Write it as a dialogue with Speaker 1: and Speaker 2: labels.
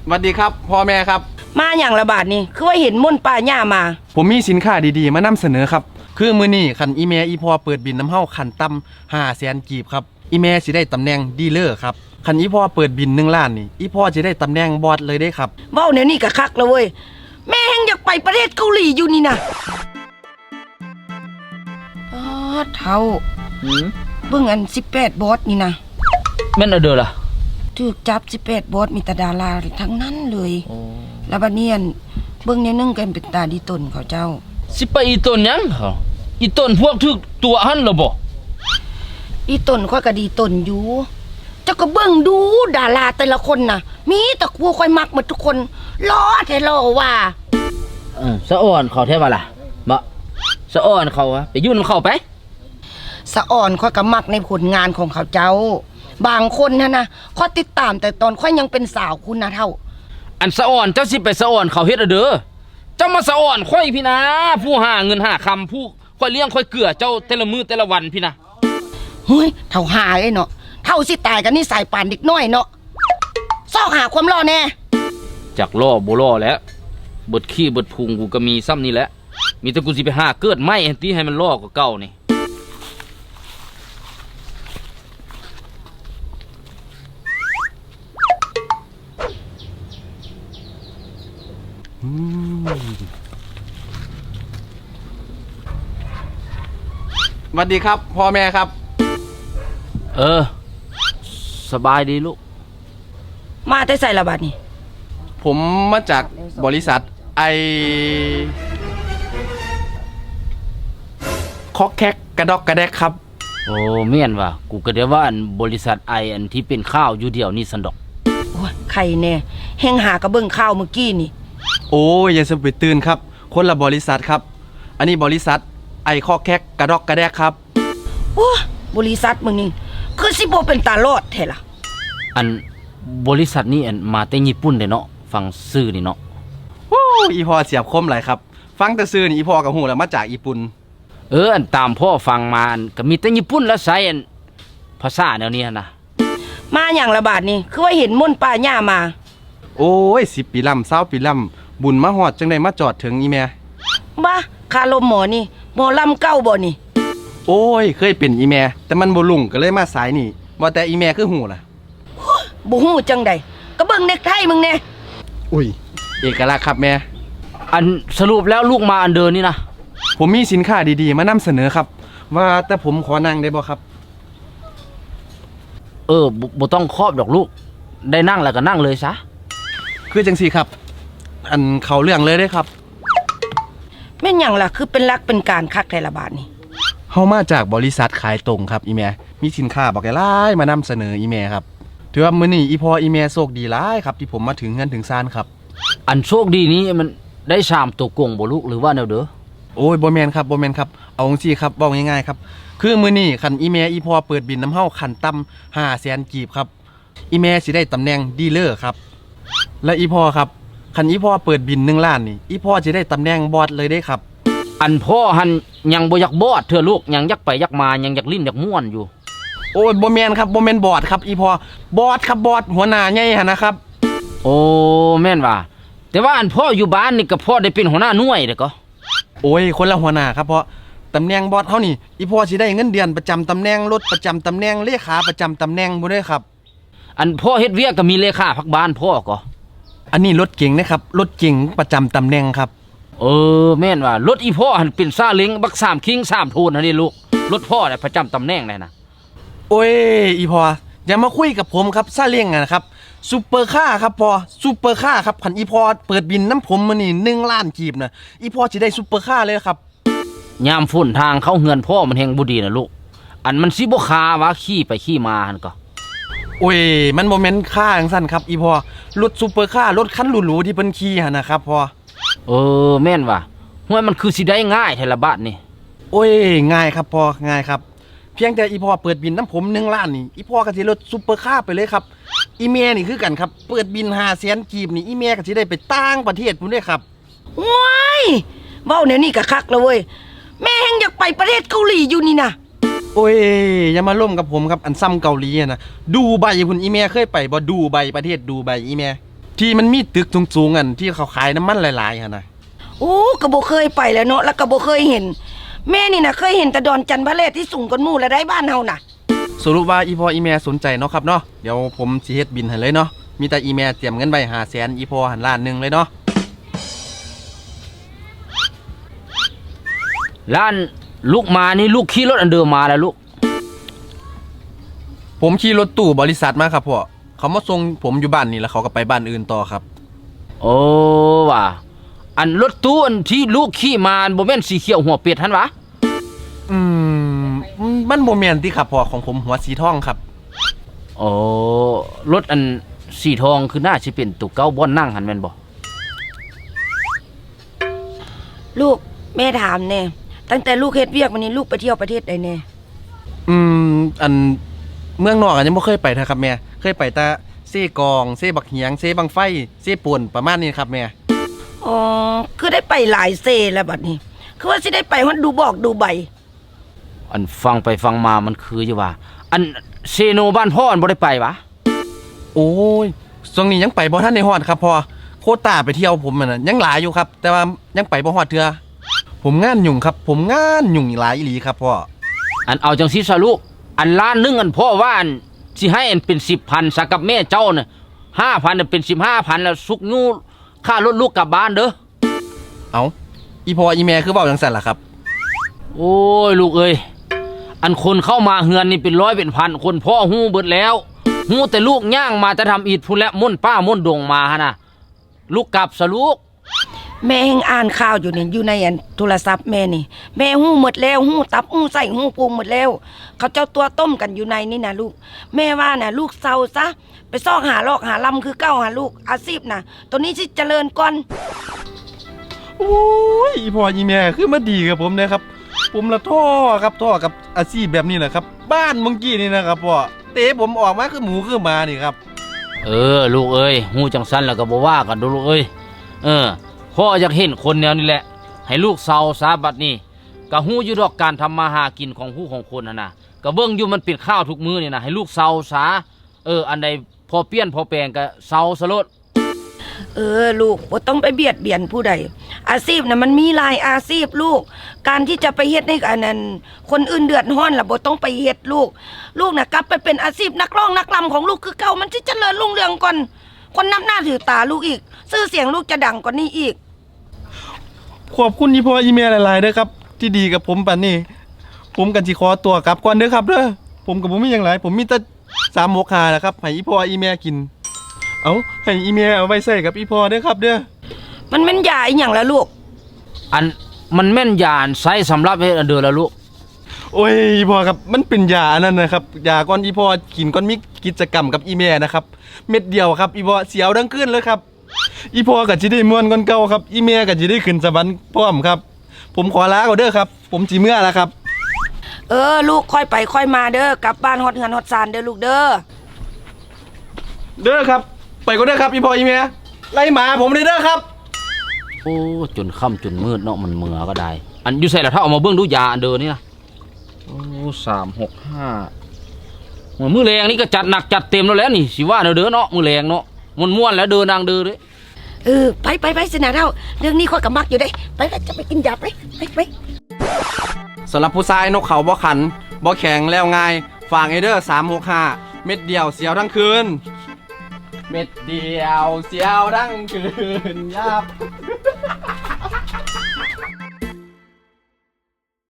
Speaker 1: สวัสดีครับพ่อแม่ครับ
Speaker 2: มาอย่างระบาดนี่คือว่าเห็นม่นป่าหญ้ามา
Speaker 1: ผมมีสินค้าดีๆมานำเสนอครับคือมื้อนี้คันอีเมอีพอเปิดบินน้ำเฮาคันต่ำ500,000 กีบครับอีเมสิได้ตำแหน่งดีลเลอร์ครับคันอีพอเปิดบิน1 ล้านนี่อีพอจะได้ตำแหน่งบอสเลยได้ครับ
Speaker 2: เว้าแนวนี้ก็คักแล้วเว้ยแม่แฮงอยากไปประเทศเกาหลีอยู่นี่นะเท่าเบิ่งอัน18บอสนี่นะ
Speaker 3: แม่นเอาเด้อล่ะ
Speaker 2: ถูกจับ18บอสมีแต่ดาราทั้งนั้นเลยแล้วบัดนี้เบิ่งแนวนึงกันเป็นตาดีตนเขาเจ้า
Speaker 3: สิไปอีต้นหยังเขาอีต้นพวกทึกตัวหันล่ะบ่
Speaker 2: อีตนค่อยก็ดีตนอยู่เจ้าก็เบิ่งดูดาราแต่ละคนน่ะมีแต่ผู้ค่อยมักหมดทุกคนล้อแท้ล้อว่า
Speaker 3: สะอ่อนเขาแท้ว่าล่ะบ่สะอ่อนเขาไปยุ่นเขาไป
Speaker 2: สะอ่อนค่อยก็มักในผลงานของเขาเจ้าบางคนนะค่อยติดตามแต่ตอนค่อยยังเป็นสาวคุณนะเท่า
Speaker 3: อันสะอ่อนเจ้าสิไปสะอ่อนเขาเฮ็ดเด้อเจ้ามาสะอ่อนค่อยพี่นะผู้หาเงินหาคำผู้ค่อยเลี้ยงค่อยเกลือเจ้าแต่ละมื้อแต่ละวันพี่นะ
Speaker 2: เฮ้ยเท่าหาไอ้เนาะเท่าสิตายกันนี่สายป่านเด็กน้อยเนาะซอกหาความรอแน่
Speaker 3: จากล่อบ่ล่อแล้วเบิดขี้เบิดพุงกูก็มีซ้ำนี่แหละมีแต่กูสิไปหาเกิดไม้แอนตี้ให้มันล่อกว่าเก่านี่
Speaker 1: สวัสดีครับพ่อแม่ครับ
Speaker 3: สบายดีลูก
Speaker 2: มาแต่ใส่ระบาดนี่
Speaker 1: ผมมาจากบริษัทคอกแคกกระดอกกระแดกครับ
Speaker 3: โอ้เม่นว่ะกูก็ได้ว่าอันบริษัทอันที่เป็นข้าวอยู่เดียวนี่สันดอก
Speaker 2: โอ้ยใครแน่แฮงหากระเบื้องข้าวเมื่อกี้นี่
Speaker 1: โอ้ยอย่าสะไปตื่นครับคนละบริษัทครับอันนี้บริษัทคอกแคกกระดอกกระแดกครับ
Speaker 2: โอ้บริษัทมึงนี่คือสิบ่เป็นตาลอดแท้ล่ะ
Speaker 3: อันบริษัทนี้มาแต่ญี่ปุ่นเด้เนาะฟังชื่อนี่เนาะ
Speaker 1: โอ้อีพอเสียบคมหลายครับฟังแต่ชื่อนี่อีพอก็ฮู้แล้วมาจากญี่ปุ่น
Speaker 3: อันตามพ่อฟังมาก็มีแต่ญี่ปุ่นแล้วใช้ภาษาแนวนี้นะ
Speaker 2: มาอย่างระบาดนี่คือว่าเห็นม่นป่าหญ้ามา
Speaker 1: โอ้ย10 ปีลำ20 ปีลำบุญมาฮอดจังได้มาจอดถึงอีแม่
Speaker 2: บ้าคาลมหมอนี่หมอลำเก้าบ่นี่
Speaker 1: โอ้ยเคยเป็นอีแม่แต่มันบ่ลุ่งก็เลยมาสายนี่ว่าแต่อีแม่คือหูล่ะ
Speaker 2: บ่ฮู้จังใดก็เบิ่งเน็กไทมึงแน่
Speaker 1: อุ้ยเอกลักษณ์ครับแม่
Speaker 3: อันสรุปแล้วลูกมาอันเดินนี่นะ
Speaker 1: ผมมีสินค้าดีๆมานำเสนอครับว่าแต่ผมขอนั่งได้บ่ครับ
Speaker 3: บ่ต้องครอบดอกลูกได้นั่งแล้วก็นั่งเลยซะ
Speaker 1: คือจังซี่ครับอันเขาเรื่องเลยได้ครับ
Speaker 2: แม่นหยังล่ะคือเป็นรักเป็นการคักแต่ละบาทนี่
Speaker 1: เฮามาจากบริษัทขายตรงครับอีแม่มีสินค้าบักหลายมานำเสนออีแม่ครับถือว่ามื้อนี้อีพ่ออีแม่โชคดีหลายครับที่ผมมาถึงเงินถึงซานครับ
Speaker 3: อันโชคดีนี้มันได้3ตัวกงบ่ลูกหรือว่าแนวเด้อ
Speaker 1: โอ้ยบ่แม่นครับบ่แม่นครับเอาจังซี่ครับเว้าง่ายๆครับคือมื้อนี้คันอีแม่อีพ่อเปิดบินน้ำเฮาคันต่ำ500,000 กีบครับอีแม่สิได้ตำแหน่งดีลเลอร์ครับและอีพ่อครับคันอีพ่อเปิดบิน1 ล้านนี่อีพ่อสิได้ตำแหน่งบอสเลยได้ครับ
Speaker 3: อันพ่อหันยังบ่อยากบอดเถอะลูกยังอยากไปอยากมายังอยากลิ้นอยากม่วนอยู่
Speaker 1: โอ้ยบ่แม่นครับบ่แม่นบอสครับอีพ่อบอสครับบอสหัวหน้าใหญ่หั่นนะครับ
Speaker 3: โอ้แม่นว่าแต่ว่าอันพ่ออยู่บ้านนี่ก็พ่อได้เป็นหัวหน้าหน่วยเด้อก็
Speaker 1: โอ้ยคนละหัวหน้าครับเพราะตำแหน่งบอสเฮานี่อีพ่อสิได้เงินเดือนประจำตำแหน่งรถประจำตำแหน่งเลขาประจำตำแหน่งบ่ได้ครับ
Speaker 3: อันพ่อเฮ็ดเวียกก็มีเลขาพักบ้านพ่อก็
Speaker 1: อันนี้รถเก๋งนะครับรถเก๋งประจำตำแหน่งครับ
Speaker 3: แม่นว่ารถอีพ่อหันเป็นซาเล้งบัก3คิง3โทนหั่นนี่ลูกรถพ่อเนี่ยประจำตำแหน่งเลยนะ
Speaker 1: โอ้ยอีพ่ออย่ามาคุยกับผมครับซาเล้งนะครับซุปเปอร์คาร์ครับพ่อซุปเปอร์คาร์ครับคันอีพ่อเปิดบินน้ำผมมื้อนี้1 ล้านกีบนะอีพ่อสิได้ซุปเปอร์คาร์เลยครับ
Speaker 3: ยามฝนทางเข้าเฮือนพ่อมันแฮงบ่ดีนะลูกอันมันสิบ่คาว่าขี่ไปขี่มาหั่นก็
Speaker 1: โอ้ยมันบ่แม่นค่าจังซั่นครับอีพ่อรถซุปเปอร์คาร์รถคันหรูๆที่เพิ่นขี่หั่นนะครับพ่อ
Speaker 3: แม่นว่ะห้วยมันคือสิได้ง่ายแท้ละบาทนี่
Speaker 1: โอ้ยง่ายครับพ่อง่ายครับเพียงแต่อีพ่อเปิดบินน้ำผม1 ล้านนี่อีพ่อก็สิรถซุปเปอร์คาร์ไปเลยครับอีแม่นี่คือกันครับเปิดบิน500,000 กีบนี่อีแม่ก็สิได้ไปต่างประเทศพุ่นเด้ครับ
Speaker 2: ว้ายเว้าแนวนี้ก็คักแล้วเว้ยแม่แฮงอยากไปประเทศเกาหลีอยู่นี่นะ
Speaker 1: โอ้ยอย่ามาล่มกับผมครับอันซ้ำเกาหลีนะดูใบพุ่นอีเมียเคยไปบ่ดูใบประเทศดูใบอีเมียที่มันมีตึกสูงๆอันที่เขาขายน้ำมันหลายๆหั่นน่ะ
Speaker 2: โอ้ก็บ่เคยไปแล้วเนาะแล้วก็บ่เคยเห็น แม่นี่นะเคยเห็นแต่ดอนจันทร์พระเลศที่สูงกว่าหมู่และได้บ้านเฮาน่ะ
Speaker 1: สรุปว่าอีพ่ออีแม่สนใจเนาะครับเนาะเดี๋ยวผมสิเฮ็ดบินให้เลยเนาะมีแต่อีแม่เตรียมเงินไว้500,000อีพ่อหันล้านหนึงเลยเนาะ
Speaker 3: ล้านลูกมานี่ลูกขี่รถอันเดิมมาแล้วลูก
Speaker 1: ผมขี่รถตู้บริษัทมาครับพ่อเขามาส่งผมอยู่บ้านนี่แล้วเขาก็ไปบ้านอื่นต่อครับ
Speaker 3: โอ้ว่ะอันรถตู้อันที่ลูกขี่มาบ่แม่นสีเขียวหัวเป็ดหั่นวะ
Speaker 1: อืมมันบ่แม่นติครับพ่อของผมหัวสีทองครับ
Speaker 3: โอ้รถอันสีทองคือน่าสิเป็นตุกเก้าบ่อนนั่งหั่นแม่นบ่
Speaker 2: ลูกแม่ถามแน่ตั้งแต่ลูกเฮ็ดเวียกวันนี้ลูกไปเที่ยวประเทศใดแน่
Speaker 1: อันเมืองนอกอันยังบ่เคยไปนะครับแม่เคยไปแต่เซกองเซบักเหียงเซบังไฟเซป่วนประมาณนี้ครับแม่
Speaker 2: อ๋อคือได้ไปหลายเซแล้วบัดนี้ คือว่าสิได้ไปฮอดดูบอกดูใบ
Speaker 3: อันฟังไปฟังมามันคืออยู่ว่า อันเซโนบ้านพ่ออันบ่ได้ไปวะ
Speaker 1: โอ้ยช่วงนี้ยังไปบ่ทันได้ฮอดครับพ่อโควต้าไปเที่ยวผมน่ะยังหลายอยู่ครับ แต่ว่ายังไปบ่ฮอดเทื่อผมงานยุ่งครับ ผมงานยุ่งหลายอีหลีครับพ่อ
Speaker 3: อันเอาจังซี่ซะลูกอันล้านหนึงอันพ่อว่าอันสิให้อันเป็น 10,000ซะกับแม่เจ้าน่ะ 5,000น่ะเป็น 15,000แล้วสุกยูค่ารถลูกกลับบ้านเด้อ
Speaker 1: เอาอีพ่ออีแม่คือเว้าจังซั่นล่ะครับ
Speaker 3: โอ้ยลูกเอ้ยอันคนเข้ามาเฮือนนี่เป็นร้อยเป็นพันคนพ่อฮู้เบิดแล้วฮู้แต่ลูกย่างมาจะทำอีดพุ่นและม่นป้าม่นดงมาฮะนะลูกกลับซะลูก
Speaker 2: แม่เฮงอ่านข่าวอยู่นี่อยู่ในอันโทรศัพท์แม่นี่ แม่หู้หมดแล้วหู้ตับหู้ไส้หู้พุงหมดแล้ว เขาเจ้าตัวต้มกันอยู่ในนี่นะลูก แม่ว่าน่ะลูกเศร้าซะไปซอกหาลอกหาลำคือเก้าหาลูกอาชีพน่ะตัวนี้สิเจริญก่อน
Speaker 1: โอ้ยอีพ่ออีแม่คือมาดีกับผมนะครับ ผมละท่อครับท่อกับอาชีพแบบนี้แหละครับ บ้านเมื่อกี้นี่นะครับพ่อเตะผมออกมาคือหมูคือหมานี่ครับ
Speaker 3: เออลูกเอ้ยฮู้จังซั่นแล้วก็บ่ว่ากันดูลูกเอ้ยพ่ออยากเห็นคนแนวนี้แหละให้ลูกเศร้าซาบัดนี้ก็ฮู้อยู่ดอกการทำมาหากินของผู้ของคนน่ะนะก็เบิ่งอยู่มันเป็นข้าวทุกมื้อนี่นะให้ลูกเศร้าซาอันใดพอเปลี่ยนพอแปลงก็เศร้าซะโลด
Speaker 2: ลูกบ่ต้องไปเบียดเบียนผู้ใดอาชีพน่ะมันมีหลายอาชีพลูก การที่จะไปเฮ็ดให้อันนั้นคนอื่นเดือดร้อนล่ะบ่ต้องไปเฮ็ดลูก ลูกน่ะกลับไปเป็นอาชีพนักร้องนักรำของลูกคือเก่ามันสิเจริญรุ่งเรืองก่อนคนนับหน้าถือตาลูกอีกชื่อเสียงลูกจะดังกว่านี้อีก
Speaker 1: ขอบคุณอีพ่ออีแม่หลายๆเด้อครับ ที่ดีกับผมปานนี้ ผมกันสิขอตัวกลับก่อนเด้อครับเด้อผมกับผมมีหยังหลายผมมีแต่365แหละครับให้อีพ่ออีแม่กิน เอาให้อีแม่เอาไว้ใส่กับอีพ่อเด้อครับเด้อ
Speaker 2: มันแม่นยาอีหยังล่ะลูก
Speaker 3: อันมันแม่นยานใช้สำหรับเฮ็ดอันเด้อละลูก
Speaker 1: โอ้ยอีพ่อครับมันเป็นยาอันนั้นนะครับยาก่อนอีพ่อกินก่อนมีกิจกรรมกับอีแม่นะครับเม็ดเดียวครับอีพ่อเสียวดังขึ้นเลยครับอีพ่อก็สิได้ม่วนก่อนเก่าครับอีแม่ก็สิได้ขึ้นสวรรค์พร้อมครับ ผมขอลาก่อนเด้อครับผมสิเมื่อแล้วครับ
Speaker 2: ลูกค่อยไปค่อยมาเด้อกลับบ้านฮอดเฮือนฮอดซานเด้อลูกเด้อ
Speaker 1: เด้อครับไปก่อนเด้อครับอีพ่ออีแม่ไล่หมาผมเลยเด้อครับ
Speaker 3: โอ้จนค่ำจนมืดเนาะมันเมื่อก็ได้ อันอยู่ใส่ละถ้าเอามาเบิ่งดูยาอันเดินนี่นะโอ้365มื้อแรงนี่ก็จัดหนักจัดเต็มแล้วแหละนี่สิว่าเด้อเนาะมื้อแรงเนาะม่วนๆแล้วเดินนางเด้อเด้
Speaker 2: ไปสินะเท่าเรื่องนี้ข้อยก็มักอยู่ได้ไปจะไปกินยาไป
Speaker 1: สำหรับผู้ชายนกเขาบ่ขันบ่แข็งแล้วง่ายฝากไอเดอร์365เม็ดเดียวเสียวทั้งคืนเม็ดเดียวเสียวทั้งคืนยับ